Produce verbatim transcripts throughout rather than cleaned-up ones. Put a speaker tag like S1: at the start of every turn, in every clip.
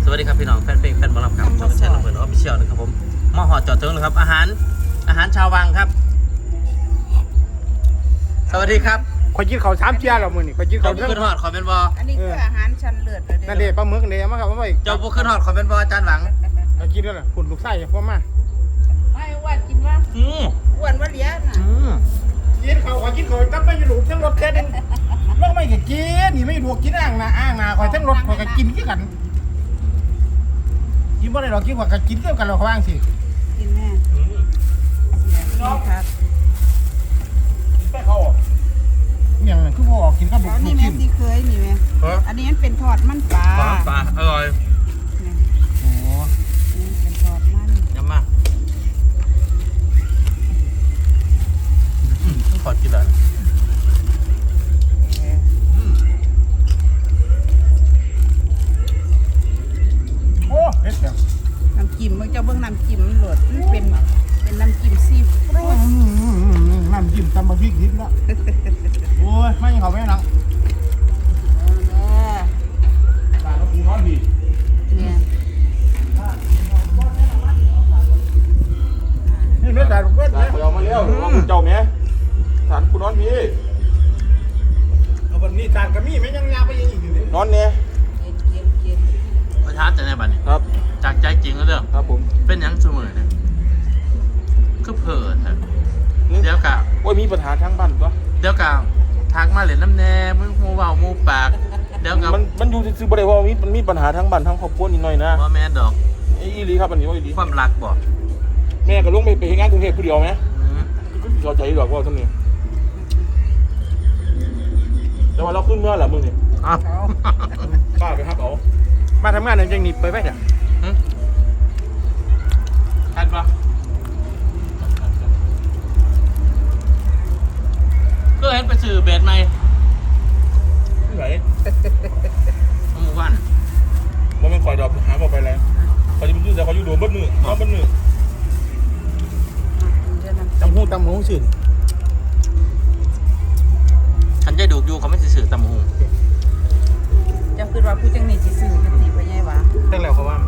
S1: สวัสดีครับพี่น้องแฟนเพลงแฟนบอลลัมครับช่องแชร์ระเบิดออฟฟิเชียลนะครับผมมาหอจอดถึงเลยครับอาหารอาหารชาววังครับสวัสดีครับ
S2: ขอกินเขาสามเจียแล้วมือนี่ขอกิน
S1: เจ้า
S2: เขา
S1: บุขึ้นหอดขอเป็นบอ
S3: อันนี้คืออาหารชั้นเลิศเลย
S2: นั่นเด็ปลาหมึกเนี่ยมาครับว่าไป
S1: เจ้าบุขึ้นหอดขอเป็นบออาจารย์หวัง
S2: เอากินด้วยล่ะคุณลูกไส้พ่อมา
S3: ไม่อ้วนกินว่า
S1: อืม
S3: อ้วนว่าเลี้ยงน่ะ
S1: อืม
S2: กินเขาขอกินเขาตั้งไม่อยู่หลุมทั้งรถแค่นึงลงไม่ก็กินนี่ไม่ดูกินอ่างนาอ่างนาคอยทั้งรถคอยก็กินกี่กันกินบ่ได้หรอกกินว่าก็กินเกี่ยวกันเราเขาว่างสิ
S3: กินแม่นี่ครับ
S2: ไปเขาอย่างนั้นคือบ่ออกกินกับบุก
S3: แล้ว
S2: บุ
S3: นี่
S2: ก
S3: แม่
S2: กิน
S3: ที่เคยนี่แม่อันนี้มันเป็นทอดมันปลา
S1: ปลาปลาอร่อย
S2: โอ้
S3: นี่เป็นทอดมัน
S1: ยำมากอืมต้องขอกินเลย
S2: โอ้เฮ็ดแบบ
S3: น้ำจิ้มมันเจ้าเบิ่งน้ำจิ้มมันโหลดมันเป็นเป็นน้ำจิ้มซีฟู้ด
S2: น้ำจิ้มตำบะพริกดิบแล้วโอ้ยไม่เขาไม่นัง ตาเขาปูน้อยพี่
S3: เนี่ย
S2: นี่เนื้อแต่ลูกเวท
S4: ตา
S2: เลย
S4: ไปเอามาแล้วเอาคุณเจ้าแม่ฐานคุณนอนพี่
S2: เอาวันนี้ทานกระมี่ไม่ยังยาไปยังอีกอยู่เลย
S4: นอนเนี่ย
S3: กินกินกิน
S1: ประทับใจในบัดนี้
S4: ครับ
S1: จากใจจริงแล้วเด้อ
S4: ครับผม
S1: เป็นหยังเสมอเนี่ยคือเผิดเถอะเดี๋ยวกะ
S4: โอ้ยมีปัญหาทั้งบ้านปะ
S1: เดี๋ยวกะทักมาเล่นน้ำแน่มึงมูเบามูปากเดี๋ยวกะ
S4: มันมันอยู่ซื่อๆบ่ได้ว่ามีมันมีปัญหาทั้งบ้านทั้งครอบครัวนิดหน่อยนะ
S1: ว่าแม่ดอก
S4: ไอ้อีหลีครับอันนี้ว่าอีหลี
S1: ความรักบอก
S4: แม่ก็ลงไปไปเฮ็ดงานกรุงเทพผู้เดียวไหม
S1: อืม
S4: ก็เข้าใจดอกว่าท่านนี้แต่ว่าเราขึ้นเมื่อไหร่มึงนี่
S1: อ้าว
S4: ป้าไปครับเอา
S2: มาทำงานเนี่ยยังหนีไปไหมเนี่ย
S1: ทันปะก็เห็นไปสื่อเบสไหม
S4: ไม่ไหว
S1: หมู่บ้าน
S4: บ่แม่นคอยดอกหาบ่ไปแล้วเขาจะมันยืดแต่เขาอยู่โดนเบิดมือนอนเบิดมือ
S3: เดี๋ยวน้ำจิ้ม
S2: ตำหูตำหูสื่อ
S1: ฉันจะดูอยู่เขาไม่สื่อตำหู
S3: เจ้าคือว่าผู้จังนี่สิซื้อกันสิพ่อใหญ่หวะ
S2: ตั้งแล้วเขาว่า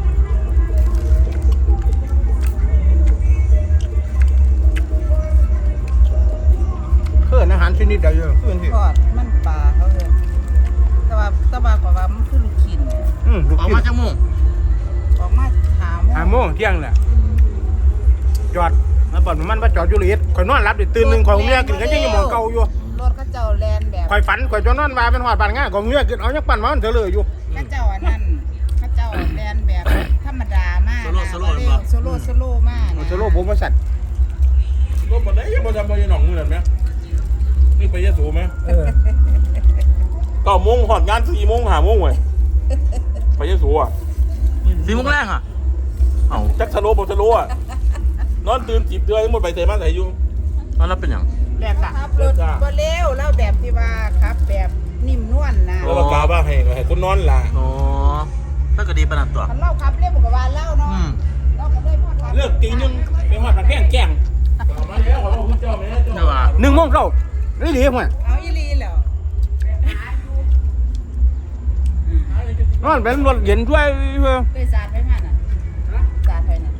S2: เพื่อนอาหารชนิดเดียวอยู่เพื่อนที่
S3: ทอดมันปลาเขาเลยแต่ว่าแต่ว่าก็ว่ามันคือลูกชิ้นเนี่ย
S2: อืมลูก
S1: ออก
S2: ชิ้น
S1: มาจากหมู่
S3: ออกมาหาโม
S2: หาโมงเที่ยงแหละจอดมาบ่อนมันมาจอดอยู่เลยข่อยนอนรับเดี๋ยวตื่นหนึ่งข่อยเมียกินกันยังยังมองเก่าอยู่
S3: รถเขาเจ้าแลนแบบ
S2: ข่อยฝันข่อยจนนอนมาเป็นหอดบานง่ายข่อยเมียกินเอายังปั่นมามันเถอะเลยอยู่
S3: เขาเจ้าอันนั้นเขาเจ้าแลนแบบธรรมดามากนะโซโล่โซโล่มากนะ
S2: โซโล่ผมมาสั่น
S4: รถบ่ได้ยังบ่จำบ่ยังหนองมือนั่นไหมนี่ไปยะโสไหม
S2: เออ
S4: เก้าโมงหอดงานสี่โมงห้าโมงเว้ยไปยะโสอ่ะ
S1: สีมุกแรงอ่ะเอ้า
S4: จักสโลบ่สโลอ่ะนอนตื่นจีบเตือนหมดไปเตะมาใส่อยู่
S1: แล้วเราเป็นอย่าง
S2: แรกจ้ะ
S3: ขับรถบ่เร็วแล้วแบบที่ว่าขับแบบนิ่มนวลนะ
S4: แล้วก็กาบ้าให้ให้คนนอนล่ะ
S1: โอ้ถ้าก็ดีประนับตัว
S3: คันเล่าขับเร็วกว่าเล่าเนาะ
S1: อืม
S3: เราก็ได้พอขับ
S2: เลิกตีหนึ่งไปหอดปากแก้งแก้ง
S4: มาแล้วขอคุณเจ้าแม่
S1: เดี๋ยวว่า
S2: หนึ่งโมงเช้านี่ดีมั้ย
S3: เอาอีลีแล้ว
S2: นอนเป็นรถเย็นด้วยเพื่อ
S3: เคยสาดไปมาน่ะสาดไปน่ะ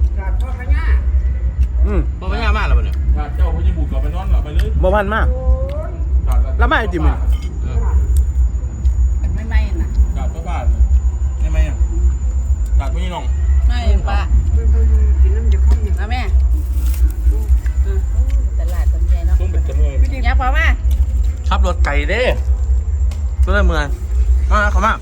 S2: อืม
S1: บ่ไม่ยากมากแล้วบ่เนี่ย
S4: เจ้าพญบุตรกลับไปนอนหลับไปเลย
S2: บ่พันมากแล้วไม่ติมัน
S1: เออ
S3: มันไม่ไหม้น่ะ
S4: กลับก็บ้านได้ไหมอ่ะกลับไม่น้อง
S3: ไม่ปะเอาแม่อืมตลาดต้นใหญ่เนาะ
S4: ต้องเป็นจำเลย
S3: อย่าพอมา
S1: ขับรถไก่เด้ก็เลยเมืองมาเขามา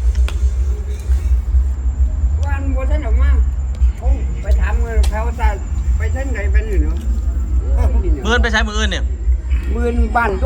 S5: วันบัวท่านออกมาโอ้ไปถามเงินเขาจะไปท่านไหนไปนี่เนาะ
S1: เมื่อนไปใช้มืออื่นเนี่ย
S5: หมื่นบ้านตัว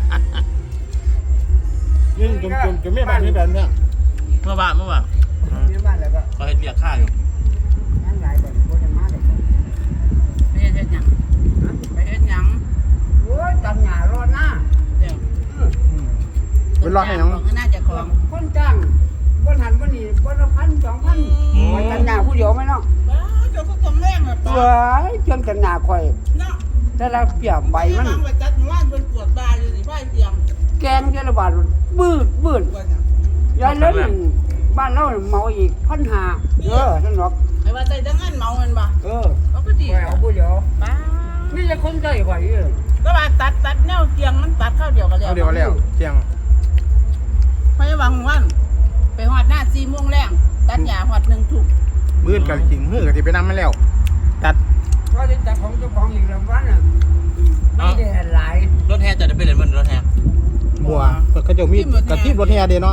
S2: นี่จมจมจมไม่บ้านนี่แบบเนี้ย
S1: เมื่อวานเมื่อวาน
S5: เนี่ยบ้านแล้วก็
S1: เขาเห็นเรียกค่าอยู่
S5: งานหลายแบบบัวจะมาเลย
S3: ไปเฮ็ดหยังไปเฮ็ดหยัง
S5: โอ้ยตังหยารอดหน้า
S3: เดี๋ยว
S2: ไปรอให้ยัง
S3: บอกน่าจะของ
S5: คนจ้างคนหันคนนี้คนละพันสองพันมันตังหยาผู้เดียวไหมเนาะ
S3: ว้าเจ้าก็ต้องแรงอ่ะ
S5: เฮ้ยเชื่อมตังหยาข่อย
S3: เนาะ
S5: แต่ละเปียกใบมัน
S3: วางไว้จัดว่านเป็นปวดบาอยู่สิไฟเสียง
S5: แกงเจระบาดบืดบืด
S3: ว่าน่ะ
S5: ยายเล่นใบบ้านเราเมาอีกพันหาเออท่านหรอก
S3: ไอ้ว่าใจจังงั้นเมาเงินบ่
S5: เออ
S3: เขาก็ดี
S5: ไปเอาผู้เดียว
S3: ป้า
S5: นี่จะคนใจไหวเออ
S3: ก็ว่าตัดตัดแนวเตียงมันตัดเข้าเดียวกันแล้ว
S2: เอาเดี๋ยวแล้วเที่ยง
S3: ไปวางวันไปหอดหน้าสี่โมงแรงตัดหญ้าหอดหนึ่งทุ่ม
S2: มื้อกันจริงมื้อก็สิไปนำมาแล้วตัด
S5: เพราะที่แต่ของเจ้าของอีกแล้ววันน่ะไม่ได้หลาย
S1: รถแห่จะได้ไปเล่นบนรถแห่
S2: บัวเพิ่นเขาเจ้ามีกระทิบรถแห่เด้เนาะ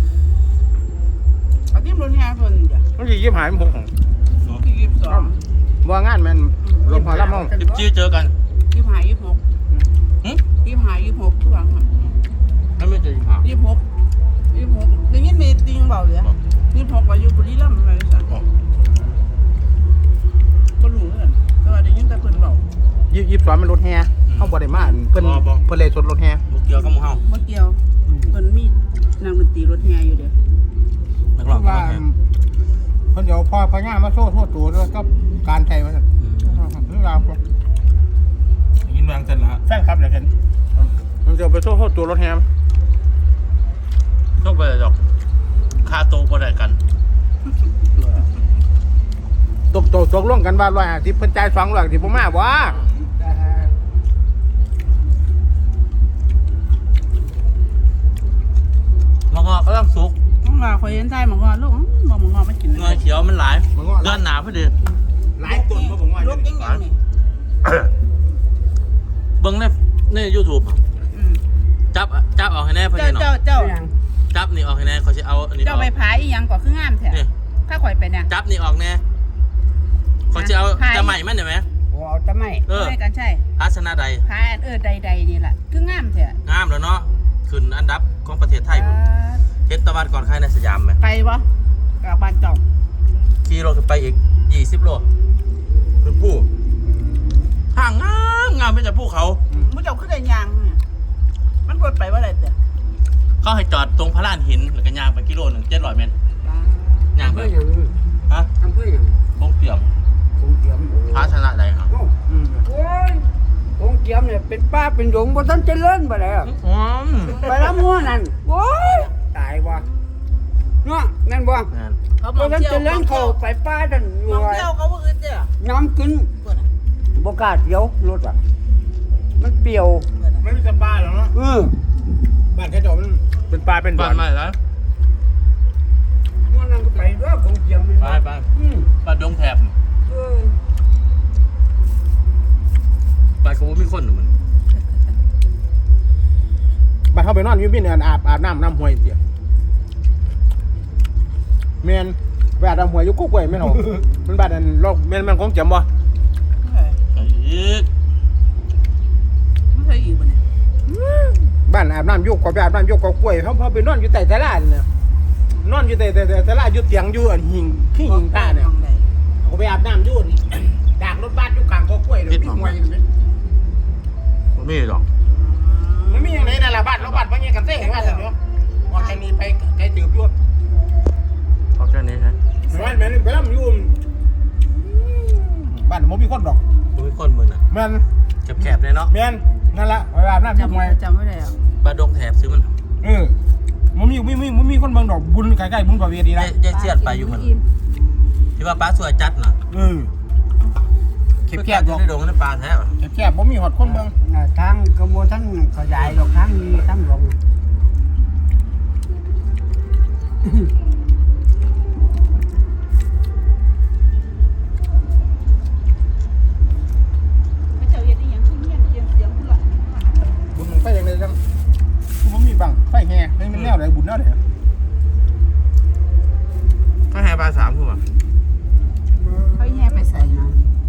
S3: เอาที่รถแห่เพิ่นเดี๋ยว
S2: มันสิยี่สิบห้าสิบหก
S3: ที่ยี่สิบสอง
S2: บ่งานแม่นรถพอรับเฮา
S1: จิบจี้เจอกัน
S3: ยี่สิบห้ายี่สิบหก
S1: หึ
S3: ยี่สิบห้ายี่สิบหกทุกวันค่ะ
S1: นั่นไม่เจอจิบหา
S3: ยี่สิบหกยี่สิบหกได้ยินมีติงเบาเลยยี่สิบหกว่าอยู่บุรีรัมย์อะไรสักก็รู้เหมือนกันแต่ว่าได้ยินแต่เพิ่นเบา
S2: ยี่สิบสองมันรถแห่เฮาบ่ได้มาเพิ่นเพิ่นเลยสดรถแห่
S1: บุกเกี่ยวกับหมู่เฮา
S3: เมื่อเกี่ยวเพิ่นมีนางดนตรีรถแห่อยู่เด้อ
S1: นักร้อง
S2: ว่าเพิ่นเดี๋ยวพอพญามาโซ่โทษตัวด้วยกับการไทยว่าซั่นเรื่องราว
S4: ยินวางเสร็จแล้ว
S2: แฟนคลับเดี๋ยวเห็นมันจะไปโซ่โทษตัวรถแฮม
S1: ต้องไปดอกค่าโตบ่ได้กัน
S2: ตกตกตกลงกันว่าร้อยห้าสิบเพิ่นจ่ายสองร้อยสิบ่มาบ่
S1: มันก็กำลังสุก
S3: มึงว่าข่อยเห็นใจหมองอลูกมองหมองอไม่กิน
S1: เงยเขียวมันหลายเดือนหนาพอดี
S2: หลายต้นบ่ผมว่า
S3: ลูกยังยังนี่
S1: เบิ่งในใน YouTube
S3: อืม
S1: จับจับออกให้แน่พอ
S3: เจ้า
S1: ดีเนาะ
S3: เจ้าเจ้า
S1: จับนี่ออกให้แน่เขาสิเอาอันนี้อ
S3: เจ้า
S1: อก
S3: ไปผายอีหยังก่อคืองามแท้
S1: นี่
S3: ถ้าข่อยไปเนี่ย
S1: จับนี่ออกแน่เขาจะเอาจะใหม่มันได้ไหม
S5: โอ้เอาจะไม่
S1: เออ
S3: ใช่กันใช่
S1: อาสนะใด
S3: ผายอันเออใดๆนี่แหละคืองามแท้
S1: งามแล้วเนาะขึ้นอันดับของประเทศไทยพุ่นเฮ็ดตะวันก่อนใครในสยามไหม
S3: ไปบ่กับบ้านเจ้า
S1: ขี่รถขึ้นไปอีกยี่สิบโลขึ้นผู้ทางงามงามไปจากภูเขา
S3: มึงเจ้าขึ้นได้ยางเนี่ยมันกดไปว่าอะไรเด้อ
S1: เขาให้จอดตรงพระลานหินแล้วก็ย่างไปกิโลหนึ่งเจ็ดร้อยเมตรย่าง
S5: อำ
S1: ไป
S5: เภออย่าง
S1: ฮะ
S5: อำเภออย่าง
S1: คงเตรียม
S5: คงเจียม
S1: พระชนะใดครับ
S5: โอ้โอ้ยคงเจียมเนี่ยเป็นป้าเป็นหลงบ่ทันเจริญบ่แล้ว
S1: อืม
S5: ไปละมัวนั่นโอ้ยตายบ่เนาะนั่นบ่
S1: นั่น
S3: เขาบ
S5: บ่
S3: อก
S5: ทัน
S3: เที่ยว
S5: เจริญเข้าไปป้านั่นอยู่
S3: มอง
S5: ว่า
S3: เที่ยวเขาบ่อึดเด้อ
S5: น้ำขึ้น
S3: เพิ่นน่ะ
S5: บ่กล้าเที่ยวรถอ่ะมันเปรี้ยว
S3: เพิ่นน่ะ
S2: ไม่มีสปาหรอกเนาะ
S5: เออ
S2: บ้านแค่จอมันเป็นปลาเป็นบ่
S1: บ้า
S2: อน น
S1: ใหม่แล้ว
S5: มันนั่นก็ไปด้วยคงเจียมมัน
S1: ไปไป
S5: อืม
S1: บ้านดงแถบ
S5: เออ
S1: ไปเขาบ่มีคนหรอกมัน
S2: บ้านเขาไปนอนอยู่บินเนี่ยอาบอาบน้ำน้ำห้วยเสียแม่นไปอาบน้ำห้วยอยู่กุ๊กไว้แม่นเอามันบ้านนั้นโลกแม่นมันคงจำบ่
S1: ไปอีก
S3: ไม่เคยอยู่บ่เนี่ย
S2: บ้านอาบน้ำอยู่ก็ไปอาบน้ำอยู่ก็กล้วยเขาเขาไปนอนอยู่ใต้ศาลาเนี่ยนอนอยู่ใต้แต่ศาลาอยู่เตียงอยู่อันหิงขี้หิงตาเนี่ย
S3: มองใด
S2: เขาไปอาบน้ำอยู่นี่ ดากรถบัสอยู่กลางก็กล้วยเลยมีหวยอยู่ไหม
S1: บ่มีหรอก
S2: มันมีอย่างไรนั่นล่ะบ้านเราบ้านว่าไงกันเต้เห็นว่าสันเนาะออกจากนี้ไปไกลตืบอยู่
S1: เอาแค่นี้ฮะ
S2: บ้านแม่นไปแล้วมันอยู่บ้านมันมีคนดอก
S1: บ่มีคนมึงน่ะ
S2: แม่น
S1: แคบๆเลยเนาะ
S2: แม่นนั่นละไปอาบน้ำอยู่หวย
S3: จำจำไม่ได้แล้ว
S1: บ้านดงแถบซื้อมัน
S2: เออมันมีมีมีมันมีคนเบิ่งดอกบุญใกล้ๆบุญประเวณี
S1: ยา
S2: นะ
S1: ยยายเสียดไปอยู่มันที่ว่าป้าสวยจัดน่ะ
S2: เออเก็บแคบ
S1: อยู่ในดงในป่าแท้ป่ะ
S2: เก็บแคบบ่มีหอดคนเบิ่ง
S5: อ่าทางกระบวนทั้งขยายดอกทางนี้ทั้งลง
S3: ไม่เจ้าเฮ็ดอีหยังคือเฮียนเสียงเสียงพุ่นล่ะ
S2: บุญไฟอย่างไรจังบ่มีบังไฟแห่ให้มันแนวไหนบุญแนวไหน
S1: ก็แห่ปลาสามถูกป่ะ
S3: เขาแย่ไปใส่นะ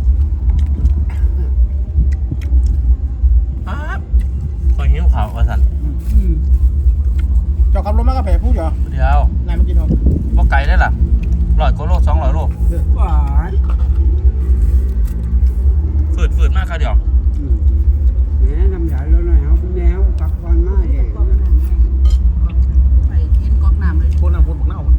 S1: ครับคอยหิ้วขาวกระสัน
S5: อืม
S2: เจ้าขับรถมาก็แผ่ผู้เดียว
S1: เดียวน
S2: ายมากินเอา
S1: บ่ไกลได้ล่ะร้อยกว่าโลสองร้อยโล
S5: หวาน
S1: ฝืดฝืดมากค่ะเดียว
S5: อืมแม่น้ำยาแล้วหน่อยเอาแมวปักก่อนมาเอง
S3: ไปกินก๊อกน้ำเลย
S2: คนน่ะคนบักเน่า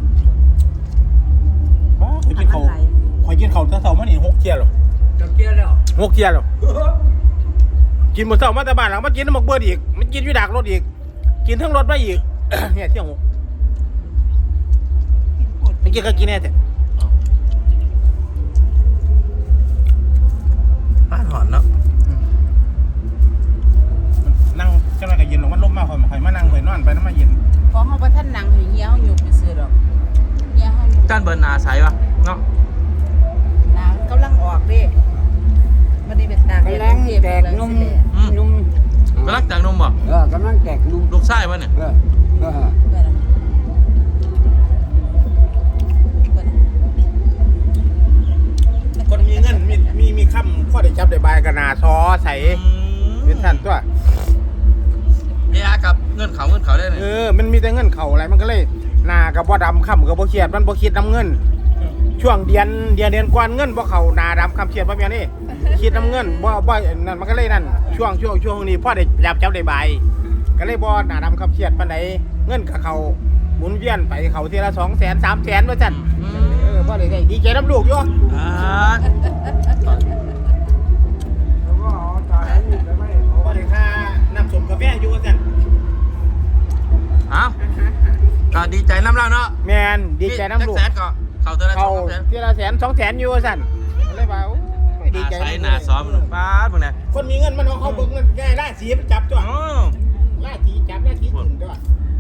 S2: บ้าข่อยกินเขาวข่อยกินเขาวแต่เช้ามานี่หกเที่ยหรอ
S5: จะเกลียแล้ว
S2: หกเที่ยหรอกินมื้อเช้ามาแต่บ้านหลังมากินน้ำหมกเบิดอีกมันกินอยู่ดากรถอีกกินทั้งรถมาอีก เนี่ยเที่ยงหกกินก็กินแน่แต่
S1: บ้านหอนเนาะ
S2: นั่งจังไรก็เย็นหรอกมันลมมากคอยคอยมานั่งคอยนอนไปน้ำมาเย็น
S3: พอเฮาบ่ทันนั่งอยู่เหี่ยวหยุบไปซื้อดอกเหี่ยวเฮาหยุบ
S1: ด้านเบิร์นนาใสวะเนาะ
S3: น้ำกำลังออกเด้บ่ได้เป็นตาก
S5: กำลังแตกนุ่มนุ่ม
S1: กำลังจากนมบ่
S5: เออกำลังแตกนุ่ม
S1: ลูกไส้วะเนี่ย
S5: เออเออ
S3: เปิดอะเปิดอะ
S2: คนมีเงินมีมีมีคำข้อได้จับได้บายกันนาซอใส่เป็นท่านตัว
S1: เอะกับเงื่อนเขาเงื่อนเขาได้เลย
S2: เออมันมีแต่เงินเข่าอะไรมันก็เลยหนากับบ่ดำค่ำกับบ่เครียดมันบ่คิดน้ำเงิน ช่วงเดือนเดือนเดือนกวนเงินบ่เข่าหนาดำคำเครียดบ่แม่นี่คิดน้ำเงินบ่บ่นั่นมันก็เลยนั่นช่วงช่วงช่วงนี้พ่อได้จับจับได้บายก็เลยบ่หนาดำคำเครียดปานใดเงินกับเขาหมุนเวียนไปเขาทีละสองแสนสามแสนว่าจันเออพ่อได้ได้ดีใจน้ำลูกอยู่
S1: อ่า
S5: แล้วก็เอาตาให้นี่ไปไว้เอา
S2: พ่อได้ค่าน้ำส้มกาแฟอยู่ว่าจัน
S1: เอาก็ดีใจน้ำเล่าเนาะ
S2: แมนดีใจน้ำลูก
S1: แสนก็เขาตัวละส
S2: เขา
S1: องแสน
S2: ทีละแสนสองแสนอยู่ว่าจันก็เลยว่าโอ้ยดี
S1: นา
S2: ใจ
S1: ใสนาซ้อมป้าดพวกเนี้ย
S2: คนมีเงินมันเอาเขาเบิกเงินง่ายล่าสีมันจับตัว
S1: โอ้
S2: ล่าสีจับล่าสีถึงตัว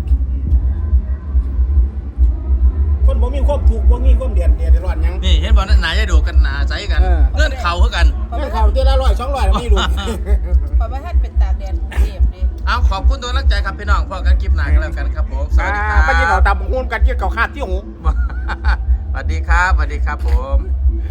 S2: คนบ่มีความถูกบ่มีความเดือดเดือดร้อนหยัง
S1: นี่เห็นบอกหนาจะดูกันหนาใสกัน
S2: เออ
S1: เงื่อนเข่าเท่ากัน
S2: เงินเขาเท่าละร้อยสองร้อยไม่รู้
S3: พอบ่ทันเป็นตากแดดกรุงเทพเด้
S1: เอาขอบคุณตัวรักใจครับพี่น้องพอกันคลิปหน้ากันแล้วกันครับผมสวัสดีค
S2: อ่า
S1: รับ
S2: ไปกินเขาวตำหุ้นกันกินเขาวคาดที่หู
S1: สวัสดีครับสวัสดีครับผม